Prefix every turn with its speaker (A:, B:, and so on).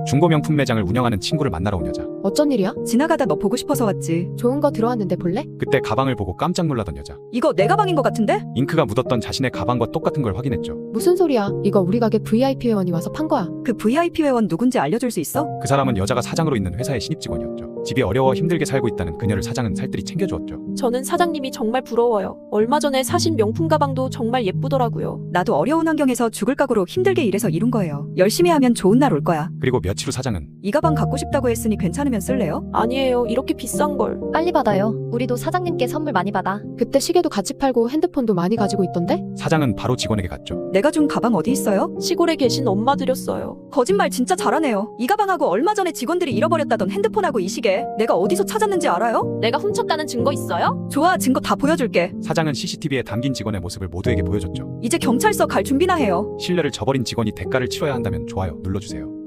A: 중고 명품 매장을 운영하는 친구를 만나러 온 여자.
B: 어쩐 일이야?
C: 지나가다 너 보고 싶어서 왔지.
B: 좋은 거 들어왔는데 볼래?
A: 그때 가방을 보고 깜짝 놀라던 여자.
C: 이거 내 가방인 것 같은데?
A: 잉크가 묻었던 자신의 가방과 똑같은 걸 확인했죠.
B: 무슨 소리야? 이거 우리 가게 VIP 회원이 와서 판 거야.
C: 그 VIP 회원 누군지 알려줄 수 있어?
A: 그 사람은 여자가 사장으로 있는 회사의 신입 직원이었죠. 집이 어려워 힘들게 살고 있다는 그녀를 사장은 살뜰히 챙겨주었죠.
D: 저는 사장님이 정말 부러워요. 얼마 전에 사신 명품 가방도 정말 예쁘더라고요.
C: 나도 어려운 환경에서 죽을 각오로 힘들게 일해서 이룬 거예요. 열심히 하면 좋은 날 올 거야.
A: 그리고 며칠 후 사장은
C: 이 가방 갖고 싶다고 했으니 괜찮으면 쓸래요?
D: 아니에요. 이렇게 비싼 걸.
E: 빨리 받아요. 우리도 사장님께 선물 많이 받아.
B: 그때 시계도 같이 팔고 핸드폰도 많이 가지고 있던데?
A: 사장은 바로 직원에게 갔죠.
C: 내가 준 가방 어디 있어요?
D: 시골에 계신 엄마 드렸어요.
C: 거짓말 진짜 잘하네요. 이 가방하고 얼마 전에 직원들이 잃어버렸다던 핸드폰하고 이 시계 내가 어디서 찾았는지 알아요?
D: 내가 훔쳤다는 증거 있어요?
C: 좋아, 증거 다 보여줄게.
A: 사장은 CCTV에 담긴 직원의 모습을 모두에게 보여줬죠.
C: 이제 경찰서 갈 준비나 해요.
A: 신뢰를 저버린 직원이 대가를 치러야 한다면 좋아요 눌러주세요.